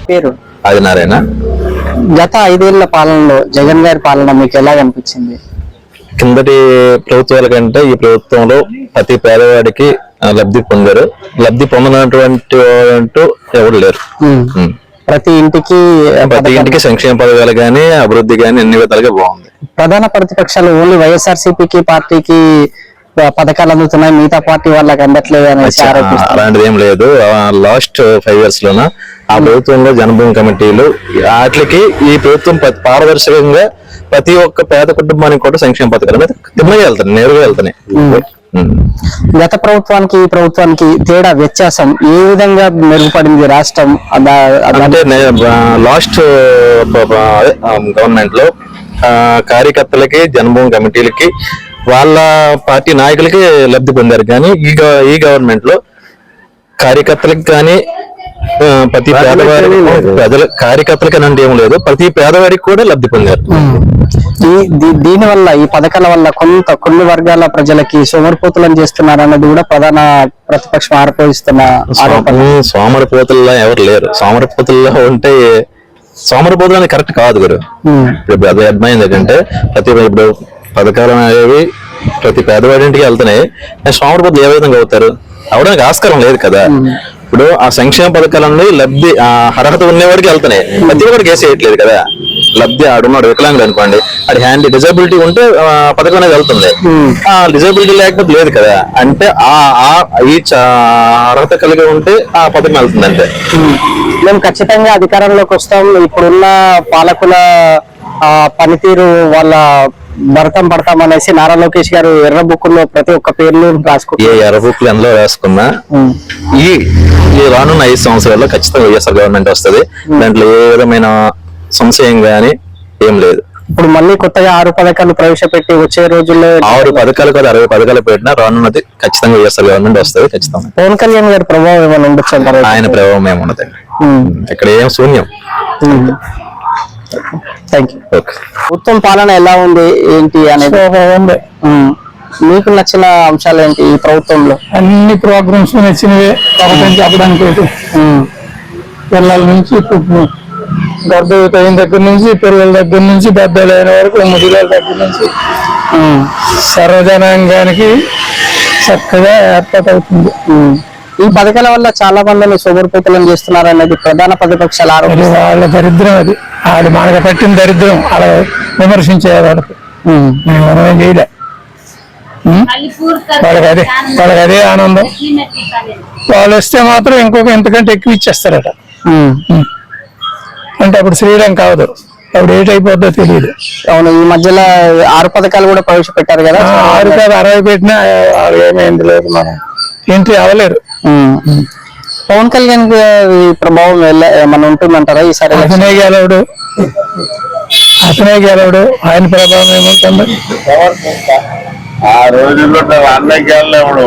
పేరు ఆదినారాయణ. గత 5 ఏళ్ల పాలనలో జగన్ గారి పాలన మీకు ఎలా అనిపించింది? కిందటి ప్రభుత్వాల కంటే ఈ ప్రభుత్వంలో ప్రతి పేదవాడికి లబ్ధి పొందారు. లబ్ధి పొందినటువంటి ఎవరు లేరు. ప్రతి ఇంటికి సంక్షేమ పథకాలు గానీ అభివృద్ధి గానీ అన్ని విధాలుగా బాగుంది. ప్రధాన ప్రతిపక్షాలు ఓన్లీ వైఎస్ఆర్సీపీకి పార్టీకి పథకాలు అందుతున్నాయి, మిగతా పార్టీ వాళ్ళకి అందట్లేదు అనేసి ఆరోపిస్తారు. అలాంటిది ఏం లేదు. లాస్ట్ 5 years లోన ఆ ప్రభుత్వంలో జనభూమి కమిటీలు వాటికి ఈ ప్రభుత్వం పారదర్శకంగా ప్రతి ఒక్క పేద కుటుంబానికి కూడా సంక్షేమ పథకాలు అనేది తిన్నగా వెళ్తాయి, నేరుగా వెళ్తున్నాయి. గత ప్రభుత్వానికి ఈ ప్రభుత్వానికి తేడా వ్యత్యాసం ఏ విధంగా మెరుగుపడింది రాష్ట్రం? అంటే లాస్ట్ గవర్నమెంట్ లో కార్యకర్తలకి జనభూమి కమిటీలకి వాళ్ళ పార్టీ నాయకులకి లబ్ధి పొందారు. కానీ ఈ గవర్నమెంట్ లో కార్యకర్తలకు కానీ ప్రతి పేదవాడి కార్యకర్తలకి అంటే ఏం లేదు, ప్రతి పేదవాడికి కూడా లబ్ధి పొందారు. దీని వల్ల ఈ పథకాల వల్ల కొన్ని వర్గాల ప్రజలకి సోమరిపోతులను చేస్తున్నారు అన్నది కూడా ప్రధాన ప్రతిపక్షం ఆరోపిస్తున్న ఆరోపణ. సోమరిపోతుల్లో ఎవరు లేరు. సోమరిపోతుల్లో ఉంటే సోమరిపోతులు అనేది కరెక్ట్ కాదు గురు. ఇప్పుడు అది అర్థమైంది ఏంటంటే ఇప్పుడు పథకాలు అనేవి ప్రతి పేదవాడింటికి వెళ్తున్నాయి. సోమరిపోతులు ఏ విధంగా అవుతారు? అవడానికి ఆస్కారం లేదు కదా. ఇప్పుడు ఆ సంక్షేమ పథకాలన్నీ లబ్ధి అర్హత ఉన్నవాడికి వెళ్తున్నాయి, ప్రతి ఒక్కరికి వేసేయట్లేదు కదా. లబ్ధి ఆడున్నాడు వికలాంగుడు అనుకోండి, అది హ్యాండ్ డిజబిలిటీ ఉంటే పథకం అనేది వెళ్తుంది. ఆ డిజబిలిటీ లేకపోతే లేదు కదా. అంటే ఈ అర్హత కలిగి ఉంటే ఆ పథకం వెళ్తుంది. అంటే మేము ఖచ్చితంగా అధికారంలోకి వస్తాం. ఇప్పుడున్న పాలకుల పనితీరు వాళ్ళ భరతం పడతాం అనేసి నారా లోకేష్ గారు ఎర్ర బుక్కుల్లో ప్రతి ఒక్క పేర్లు రాసుకుంటారు. ఏ ఎర్ర బుక్లు ఎందులో రాసుకున్నా ఈ రానున్న 5 సంవత్సరాల్లో ఖచ్చితంగా వైఎస్ఆర్ గవర్నమెంట్ వస్తుంది. దాంట్లో ఏ విధమైన సంశయం గానీ ఏం లేదు. ఇప్పుడు మళ్ళీ కొత్తగా 6 పథకాలు ప్రవేశపెట్టి వచ్చే రోజుల్లో 6 పథకాలు కాదు 60 పథకాలు పెట్టినా రానున్నది ఖచ్చితంగా వైఎస్ఆర్ గవర్నమెంట్ వస్తుంది. ఖచ్చితంగా పవన్ కళ్యాణ్ గారి ప్రభావం ఏమైనా ఉండొచ్చు అంటారు? ఆయన ప్రభావం ఏమున్నదండి, ఇక్కడ ఏం శూన్యం. Thank you. ఉత్తమ పాలన ఎలా ఉంది ఏంటి అనేది మీకు నచ్చిన అంశాలు ఏంటి ఈ ప్రభుత్వంలో? అన్ని ప్రోగ్రామ్స్ నచ్చినవే. చెప్పడానికి పిల్లల నుంచి గర్భవతి అయిన దగ్గర నుంచి పిల్లల దగ్గర నుంచి పెద్దలు అయిన వరకు ముసలి దగ్గర నుంచి సర్వజనాంగానికి చక్కగా ఏర్పాటు అవుతుంది. ఈ పథకాల వల్ల చాలా మందిని సోమరిపోతులను చేస్తున్నారు అనేది ప్రధాన ప్రతిపక్షాల ఆరోపణ. వాళ్ళ దరిద్రం అది. వాళ్ళు మనకు పట్టిన దరిద్రం అలా విమర్శించే వాళ్ళకి మనమేం చేయలే. వాళ్ళకి అదే ఆనందం. వాళ్ళు వస్తే మాత్రం ఇంతకంటే ఎక్కువ ఇచ్చేస్తారట. అంటే అప్పుడు శ్రీరంగం కావదు, అప్పుడు ఏటైపోద్దో తెలియదు. అవును, ఈ మధ్యలో 6 పథకాలు కూడా ప్రవేశపెట్టారు కదా. 6 కాదు 60 పెట్టినా ఏమైంది లేదు, మనం ఎంట్రీ అవ్వలేరు. పవన్ కళ్యాణ్ ప్రభావం ఏమన్నా ఉంటుందంటారా ఈసారి? అతనే గెలవడు, ఆయన ప్రభావం ఏముంటుంది? ఆ రోజుల్లో అన్నకి వెళ్ళేవాడు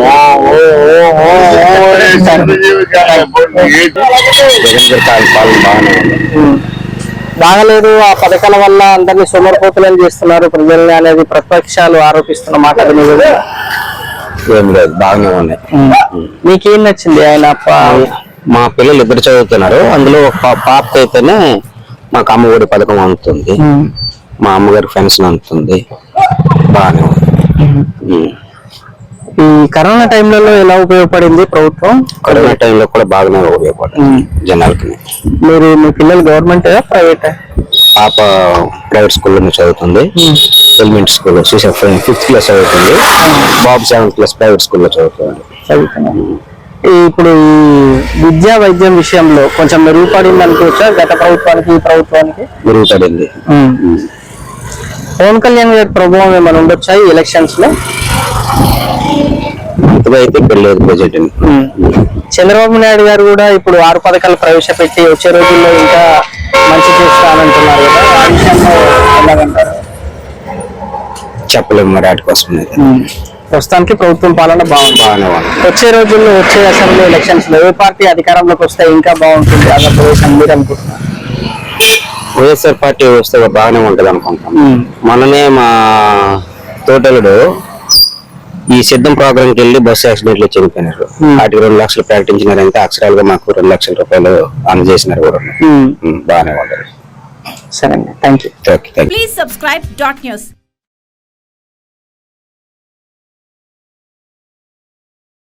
బాగలేదు. ఆ పథకాల వల్ల అందరినీ సోమరిపోతులను చేస్తున్నారు ప్రజల్ని అనేది ప్రతిపక్షాలు ఆరోపిస్తున్న మాట. ఏం లేదు, బాగానే ఉన్నాయి. మీకేం నచ్చింది ఆయన? మా పిల్లలు 2 చదువుతున్నారు. అందులో ఒక పాప అయితేనే మాకు అమ్మఒడి పథకం అందుతుంది, మా అమ్మగారికి పెన్షన్ అందుతుంది. బాగానే ఉంది. ఈ కరోనా టైంలలో ఎలా ఉపయోగపడింది ప్రభుత్వం? కరోనా టైంలో కూడా బాగానే ఉపయోగపడింది జనాలకి. మీ పిల్లలు గవర్నమెంట్ ప్రైవేట్? పాప ప్రైవేట్ స్కూల్లో చదువుతుంది, ఎలిమెంటరీ స్కూల్లో 5th క్లాస్ చదువుతుంది. బాబు 7th క్లాస్ ప్రైవేట్ స్కూల్లో చదువుతుంది. ఇప్పుడు ఈ విద్యా వైద్యం విషయంలో కొంచెం మెరుగుపడింది అనుకోవచ్చా గత ప్రభుత్వానికి ఈ ప్రభుత్వానికి? మెరుగుపడింది. పవన్ కళ్యాణ్ గారి ప్రభావం ఏమైనా ఉండొచ్చా ఈ ఎలక్షన్స్ లో? అయితే పెళ్ళలేదు బడ్జెట్. చంద్రబాబు నాయుడు గారు కూడా ఇప్పుడు 6 పథకాలు ప్రవేశపెట్టి వచ్చే రోజుల్లో ఇంకా మంచి చేస్తానంటున్నారు కదా, ఆ విషయంలో ఎలాగంటారు? చెప్పలేము మరి వాటి కోసం. ప్రస్తుతానికి ప్రభుత్వం పాలన బాగానే వచ్చే రోజుల్లో వచ్చే అసెంబ్లీ ఎలక్షన్స్ లో ఏ పార్టీ అధికారంలోకి వస్తే ఇంకా బాగుంటుంది ఆంధ్రప్రదేశ్ అని మీరు అనుకుంటున్నారు? వైఎస్ఆర్ పార్టీ వస్తే బాగానే ఉంటది అనుకుంటాం. మననే మా తోటలుడు ఈ సిద్ధం ప్రోగ్రామ్ కి వెళ్ళి బస్సు యాక్సిడెంట్ లో చనిపోయినారు. వాటికి 2 లక్షలు ప్రకటించినారంటే అక్షరాలుగా మాకు 2 లక్షల రూపాయలు అందజేసినారు కూడా. బాగానే ఉంది. సరే అండి, thank you. Okay, thank you. Please subscribe dot news.